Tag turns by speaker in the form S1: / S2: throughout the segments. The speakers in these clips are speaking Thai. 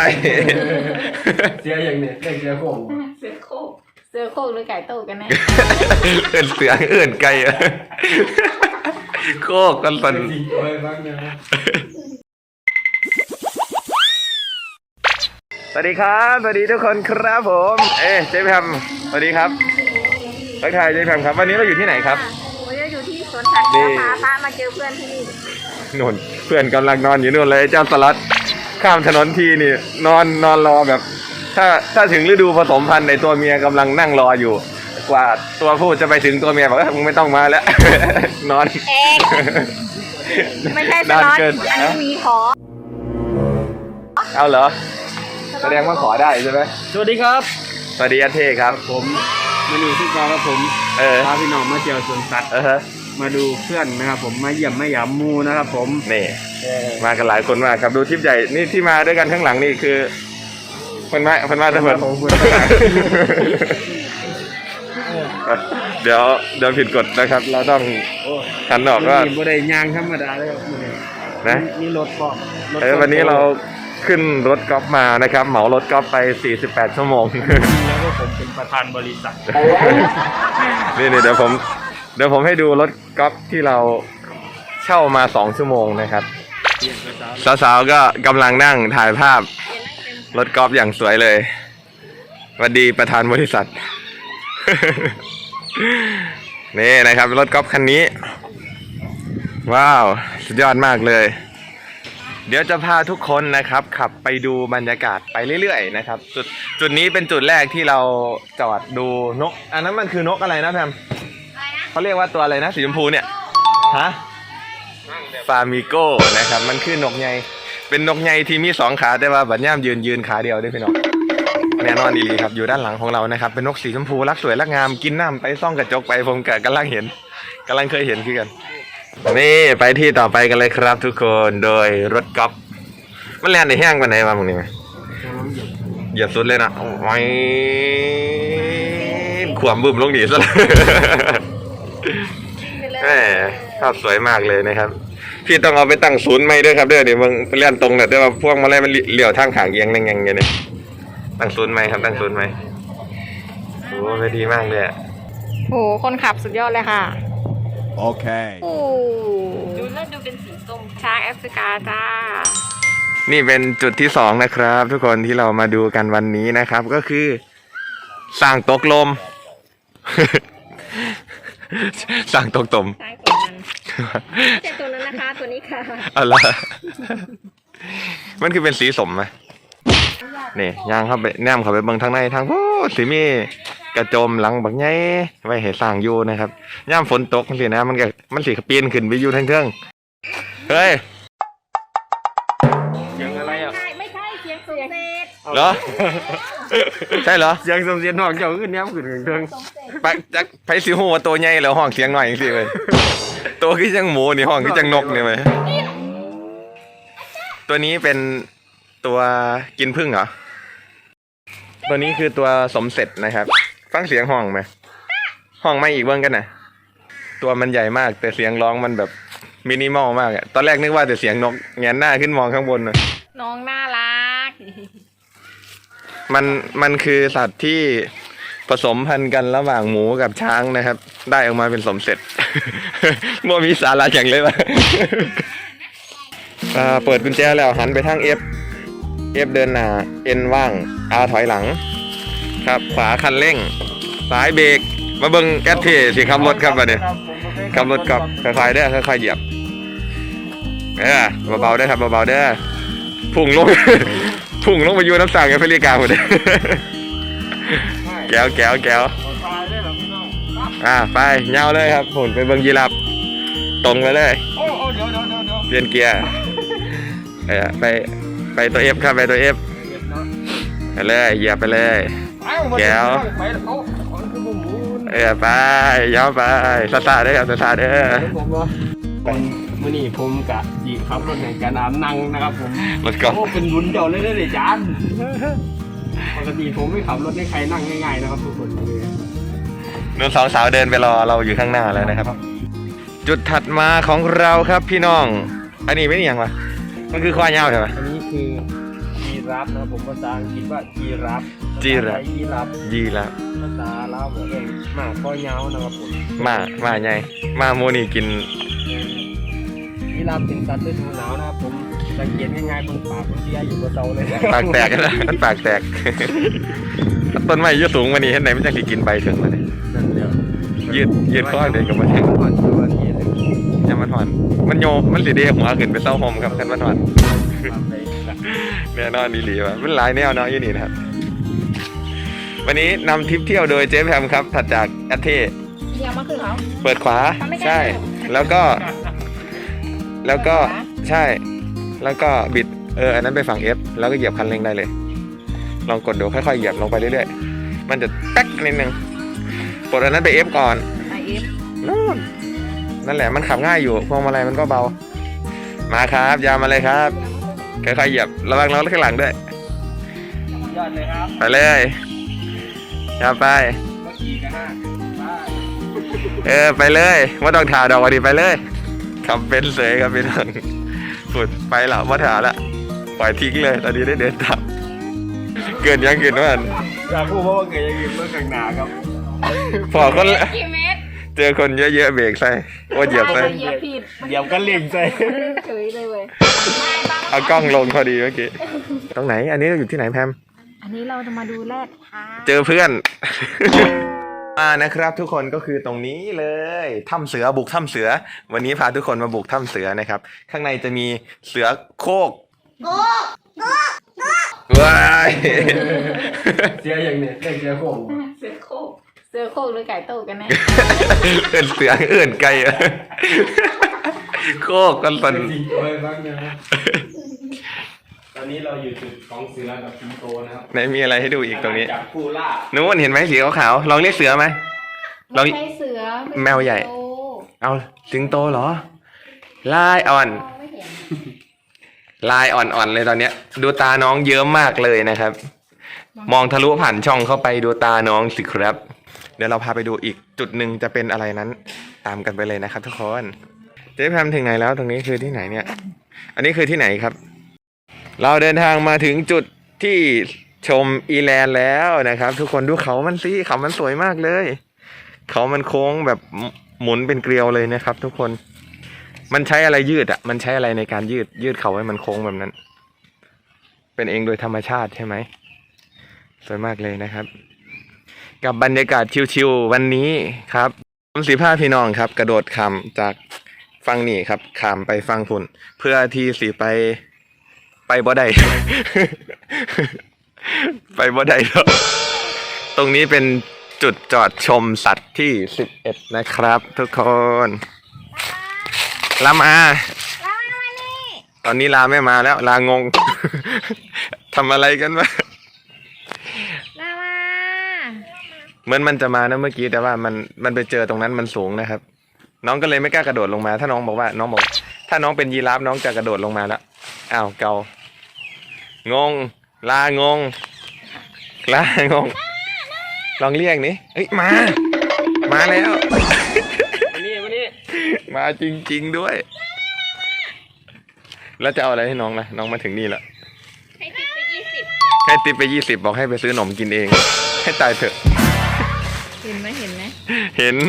S1: เสียอย่างนี้เสียโค้ง
S2: เสือโคกเสือโคกหรือไก่โตกันแน่
S3: เอื่นเสือเอื่นไก่โคกกันสัน
S1: จริงๆเลยบ้างนะ
S3: สวัสดีครับสวัสดีทุกคนครับผมเจ๊แพมสวัสดีครับทักทายเจ๊แพมครับวันนี้เราอยู่ที่ไหนครับ
S2: วันนี้อยู่ที่สวนสัตว์
S3: นี่
S2: พาพระมาเจอเพื่อนที่นี่
S3: นู่นเพื่อนกำลังนอนอยู่นู่นเลยเจ้าสลัดข้ามถนนทีนี่นอนรอแบบ ถ้าถึงฤดูผสมพันธุ์ในตัวเมียกำลังนั่งรออยู่ กว่าตัวผู้จะไปถึงตัวเมียบอกว่ามึงไม่ต้องมาแล้ว นอน
S2: เอกไม่ใช่ส
S3: นาน
S2: ล็อต
S3: เกิน
S2: อันนี้มีขอ
S3: เอาเหรอแสดงว่าขอได้ใช่ไหม
S1: สวัสดีครับ
S3: สวัสดีอาเท่ครับ
S1: ผมมาดูที่กองครับผมพาพี่น้องมาเที่ยวสวนสัตว์มาดูเพื่อนนะครับผมมาเยี่ยมมาหยามมูนะครับผม
S3: นี่มากันหลายคนมากครับดูทริปใหญ่นี่ที่มาด้วยกันข้างหลังนี่คือคนมาทั้งหมดเดี๋ยวผิดกฎนะครับ เราต้องหันออกก็
S1: มีบริยางธรรมดาเลยครับ
S3: นะ
S1: นี่รถปอก
S3: วันนี้เราขึ้นรถกอล์ฟมานะครับเหมารถกอล์ฟไป48ชั่วโมง
S1: แล้วก็ผมเป็นประธานบริษัท
S3: นี่เดี๋ยวผมให้ดูรถกอล์ฟที่เราเช่ามา2ชั่วโมงนะครับสาวๆก็กำลังนั่งถ่ายภาพรถกอล์ฟอย่างสวยเลยสวัสดีประธานบริษัท นี่นะครับรถกอล์ฟคันนี้ว้าวสุดยอดมากเลยเดี๋ยวจะพาทุกคนนะครับขับไปดูบรรยากาศไปเรื่อยๆนะครับจุดนี้เป็นจุดแรกที่เราจอดดูนกอันนั้นมันคือนกอะไรนะแพมเขาเรียกว่าตัวอะไรนะสีชมพูเนี่ยฮะฟามิโก้นะครับมันคือนกใหญ่เป็นนกใหญ่ที่มี2ขาแต่ว่าบัดย่ามยืนขาเดียวด้วยพี่น้องแน่นอนดีครับอยู่ด้านหลังของเรานะครับเป็นนกสีชมพูรักสวยรักงามกินน้ำไปซ่องกระจกไปผมกำลังเคยเห็นคือกันนี่ไปที่ต่อไปกันเลยครับทุกคนโดยรถกอล์ฟมันแล่นในแห้งกว่าไหนมามึงนี่ไหมเหยียบสุดเลยนะไว้ขวมบึ้มลงดีซะเลยแหมภาพสวยมากเลยนะครับพี่ต้องเอาไปตั้งศูนย์ไหมด้วยครับเดี๋ยวมึงไปเล่นตรงเนี่ยเดี๋ยวพวกมาไล่มันเลี้ยวทางขางเอียงนั่งอย่างเงี้ยเนี่ยตั้งศูนย์ไหมครับตั้งศูนย์ไหมโอ้ไปดีมากเลย
S2: โหคนขับสุดยอดเลยค่ะ
S1: โอเค
S2: โอ้ดูแล้วดูเป็นสีส้มช้างแอฟริกาจ้า
S3: นี่เป็นจุดที่2นะครับ ทุกคนที่เรามาดูกันวันนี้นะครับก็คือสร้างตกลม สร้างตกตม
S2: ช้างตัวนั้นไม่ใช่ตัวนั้นนะคะตัวนี้ค่ะ
S3: อะไรมันคือเป็นสีสมไหมนี่ย่างเข้าไปแนมเข้าไปเบิ่งทางในทางโอ้สีมีกระโจมหลังบักไงไว้ให้สร้างอยู่นะครับย่ามฝนตกสินะมันสีปีนขึ้นไปอยู่ทั้งเครื่องเฮ้ย
S1: เสียงอะไรอ่ะ
S2: ไม่ใช่เสียงสมเสร็จ
S3: เหรอ ใช่เหรอ
S1: เสียงสมเสียงนอกเจ้าขึ้นแนมขึ้นเทิง
S3: ไปจากไปสิหูว่าตัวใหญ่แล้วห้องเสียงหน่อยอย่างสิเลยตัวคือจังหมูนี่ห้องคือจังนกนี่ไหมตัวนี้เป็นตัวกินผึ้งเหรอตัวนี้คือตัวสมเสร็จนะครับฟังเสียงห้องไหมห้องไม่อีกเบิ้งกันนะตัวมันใหญ่มากแต่เสียงร้องมันแบบมินิมอลมากอะตอนแรกนึกว่าแต่เสียงนกแงนหน้าขึ้นมองข้างบนน่ะ
S2: น้องน่ารัก
S3: มันคือสัตว์ที่ผสมพันธุ์กันระหว่างหมูกับช้างนะครับได้ออกมาเป็นสมเสร็จ มัวมีสาระอย่างเลยวะ เปิดกุญแจแล้วหันไปทาง F เดินหน้า N ว่าง R ถอยหลังครับขวาคันเร่งซ้ายเบรกมาเบิ่งแอดเทสิขับรถครับบัดนี้ขับรถกับค่อยๆเด้อค่อยๆเหยียบเบาๆเด้อครับเบาๆเด้อพุ่งลง พุ่งลงไปอยู่น้ำสั่งแอฟริกาหมดเลย แก้วไปเงาเลยครับผมไปเบิ่งยีราฟตรงไปเลยเปลี่ยนเกียร์ไปตัว F ครับไปตัว F ไปเลยเหยียบไปเลยแก้วไปยาวไปซาเด้อซาเด้อ
S1: มื่อนี้ผมกะจีขับรถแห่งการน้ำนั่งนะครับผม
S3: รถกอล์ฟ
S1: โอ้เป็นลุ้นเดียวเลยนะเด็จานปกติผมไม่ขับรถให้ใครนั่งง่ายๆนะครับทุกคนเลย
S3: นุ่นสาวเดินไปรอเราอยู่ข้างหน้าแล้วนะครับ จุดถัดมาของเราครับพี่น้องอันนี้ไม่นี่ยังวะมันคือควายยาวใช่ไหม
S1: อันนี้คือมีราฟนะครับผมภาษาอังกฤษว่าจีราฟ
S3: จีราฟ
S1: ยีราฟ
S3: ยีแล้ว
S1: ภาษาลาวเองหมาคอยาวนะครับผม
S3: มาไงมาโมนี่กิน
S1: ยีราฟเป็นสัตว์ฤดูหนาวนะครับผมสังเกตง่ายๆบนปากมันเสียอยู่บนเตาเลย
S3: ปากแตกนะมันปากแตก ต้นไม้ยืดสูงวันนี้เห็นไหนมันจะสิกินใบถึงมาเลย
S1: นั่นเดียว
S3: ยืดข้อเด็กกับมันแทง
S1: ก่อนตัวนี้เลย
S3: ยังมันหอนมันโยมันสีเดียหัวขึ้นไปเต้าหอมครับกันมันหอนแน่นอนดีหลีว่ะมันหลายแนวเนาะยี่นี่นะครับ วันนี้นำทริปเที่ยวโดยเจ๊แพมครับถัดจากแอตเท่
S2: เดี๋ยวมาคือเขา
S3: เปิดขวาใช่ แล้วก็ใช่ แล้วก็บิดอันนั้นไปฝั่ง F แล้วก็เหยียบคันเร่งได้เลย ลองกดดูค่อยๆเหยียบลงไปเรื่อยๆมันจะแป๊กนิดนึงกดอันนั้นไป F ก่อน
S2: ไอเอฟ
S3: นั่นแหละมันขับง่ายอยู่พวงมาลัยมันก็เบามาครับยาวมาเลยครับค่อยๆเหยียบระวังรถข้างหลังด้วย
S1: ยอดเลยครับ
S3: ไปเลยยาวไป
S1: ก็ขี่กันห้าไป
S3: ไปเลยว่าต้องถ่าดอกวันนี้ไปเลยขับเป็นเสยครับพี่น้องสุดไปแล้วว่าถ่าละปล่อยทิ้งเลยตอนนี้ได้เดินตามเกินยังเกินว่า
S1: อยากพูดเพราะว่าเกิดยังยืนเมื่อกลางหนาครับ
S3: พอคน
S2: กี่เมตร
S3: เจอคนเยอะๆเบรกใส่ว่าเหยียบใส่
S2: เหยียบผิด
S1: เดี๋ยวก็เลี่ยงใส่
S2: เฉยเลยเว้ย
S3: เอากล้องลงพอดีเมื่อกี้ตรงไหนอันนี้เราอยู่ที่ไหนแพม
S2: อันนี้เราจะมาดูแรดค่ะ
S3: เจอเพื่อน นะครับทุกคนก็คือตรงนี้เลยถ้ำเสือบุกถ้ำเสือ วันนี้พาทุกคนมาบุกถ้ำเสือนะครับ ข้างในจะมีเสือโคกว้าย
S1: เสียอย่างเนี้ยเสียโค้ง
S2: เสือโคกเสือโคกหรือไก่โตกันแน่
S3: เอื่นเสือเอื่นไก่โคกกันสัน
S1: จริงเลยบ้างนะตอนนี้เราอยู่จุดของเสือกับสิงโตนะครับ
S3: ไหนมีอะไรให้ดูอีกตรงนี้
S1: จากผู้ล่า
S3: นู้นเห็นไหมสีขาวๆลองเรียกเสือไหมลอง
S2: ไม่ใช่เสือ
S3: แมวใหญ่ เอาสิงโตเหรอลายอ่อน
S2: ไม่เห็น
S3: ลายอ่อนๆเลยตอนเนี้ย ดูตาน้องเยอะมากเลยนะครับ มองทะลุผ่านช่องเข้าไปดูตาน้องสิครับ เดี๋ยวเราพาไปดูอีกจุดหนึ่งจะเป็นอะไรนั้นตามกันไปเลยนะครับทุกคนเจ๊แพมถึงไหนแล้วตรงนี้คือที่ไหนเนี่ย อันนี้คือที่ไหนครับ เราเดินทางมาถึงจุดที่ชมอีแลนด์แล้วนะครับ ทุกคนดูเขามันสิเขามันสวยมากเลยเขามันโค้งแบบหมุนเป็นเกลียวเลยนะครับ ทุกคนมันใช้อะไรยืดอ่ะมันใช้อะไรในการยืดเขาให้มันโค้งแบบนั้น เป็นเองโดยธรรมชาติใช่ไหมสวยมากเลยนะครับ กับบรรยากาศชิวๆวันนี้ครับผมสีผ้าพี่น้องครับ กระโดดข้ามจากฝั่งนี้ครับข้ามไปฝั่งพุ่นเพื่อที่สีไปบ่ได้ ไปบ่ได้แล้วตรงนี้เป็นจุดจอดชมสัตว์ที่11นะครับ ทุกคนลามาตอนนี้ลาไม่มาแล้วลางง ทำอะไรกันวะ
S2: ลามา
S3: เหมือนมันจะมานะเมื่อกี้แต่ว่ามันไปเจอตรงนั้นมันสูงนะครับ น้องก็เลยไม่กล้ากระโดดลงมา ถ้าน้องบอกถ้าน้องเป็นยีราฟน้องจะกระโดดลงมาแล้วอ้าวเกางงลางงลองเรียกนี่เฮ้ยมาแล้ว
S1: วันนี้
S3: มาจริงๆด้วย แล้วจะเอาอะไรให้น้องล่ะน้องมาถึงนี่แล้ว
S2: ให้ติดไป20
S3: ให้ติปไป20บอกให้ไปซื้อขนมกินเอง ให้ตายเถอะ
S2: เห็นไหม
S3: เห็น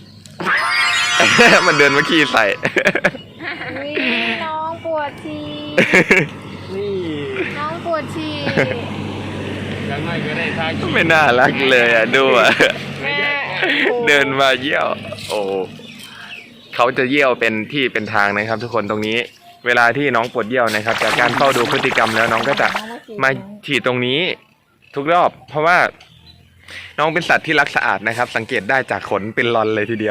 S3: มันเดินมาขี้ใส่
S2: อุ๊ยน้องปวดฉี่
S1: นี่
S2: น้องปวดฉี่
S1: ยังไงก็ได้ทาง
S3: ไม่น่ารักเลยอ่ะดูอ่ะ
S2: แม่
S3: เดินมาเยี่ยว โอ้เขาจะเยี่ยวเป็นที่เป็นทางนะครับ ทุกคนตรงนี้ เวลาที่น้องปวดเยี่ยวนะครับ จากการเฝ้าดูพฤติกรรมแล้วน้องก็จะมาฉี่ตรงนี้ ทุกรอบ เพราะว่า น้องเป็นสัตว์ที่รักสะอาดนะครับ สังเกตได้จากขนเป็นลอนเลยทีเดียว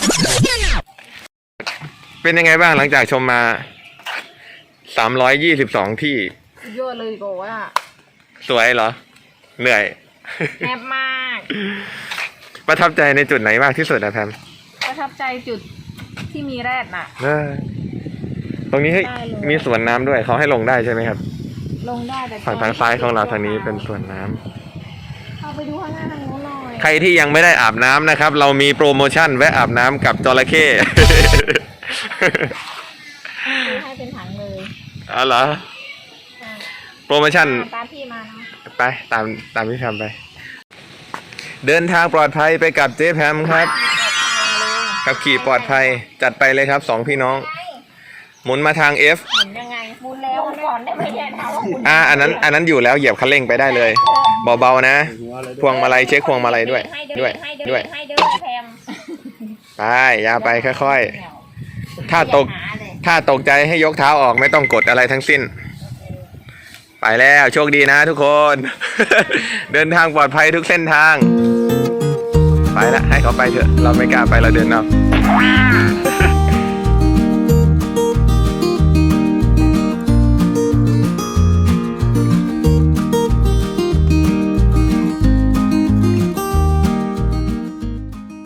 S3: เป็นยังไงบ้างหลังจากชมมา322ที่
S2: โยนเลยโกว่า
S3: สวยเหรอ เหนื่อย
S2: แซ่บมาก
S3: ประทับใจในจุดไหนมากที่สุดนะแพม
S2: ประทับใจจุดที่มีแรดน่ะ
S3: ตรงนี้ให้
S2: ได้เลย
S3: มีสวนน้ำด้วยเขาให้ลงได้ใช่ไหมครับ
S2: ลงได้แต่
S3: ฝั่งทางซ้ายของเราทางนี้เป็นสวนน้ำ
S2: เอาไปดูข้างหน้าทางโน้นหน่อย
S3: ใครที่ยังไม่ได้อาบน้ำนะครับ เรามีโปรโมชั่นแวะอาบน้ำกับจระเข้
S2: ให้เป็นถังเลย
S3: อ๋อเหรอโปรโมชั่น
S2: ตามพี่มาเนาะ
S3: ไปตามพี่แพมไป เดินทางปลอดภัยไปกับเจ๊แพมครับขับขี่ปลอดภัยจัดไปเลยครับ2พี่น้อง หมุนมาทาง F
S2: หมุนยังไงหมุนแล้วก่อนได้ไหมเนี่ยถามว่าหมุน
S3: อันนั้นอยู่แล้วเหยียบคันเร่งไปได้เลยเบาๆนะพวงมาลัยเช็คพวงมาลัยด้วย
S2: ให้เดินแพม
S3: ไปยาวไปค่อยๆถ้าตกใจให้ยกเท้าออกไม่ต้องกดอะไรทั้งสิ้น ไปแล้วโชคดีนะทุกคน เดินทางปลอดภัยทุกเส้นทาง ไปละให้เขาไปเถอะเราไม่กล้าไปเราเดินเอา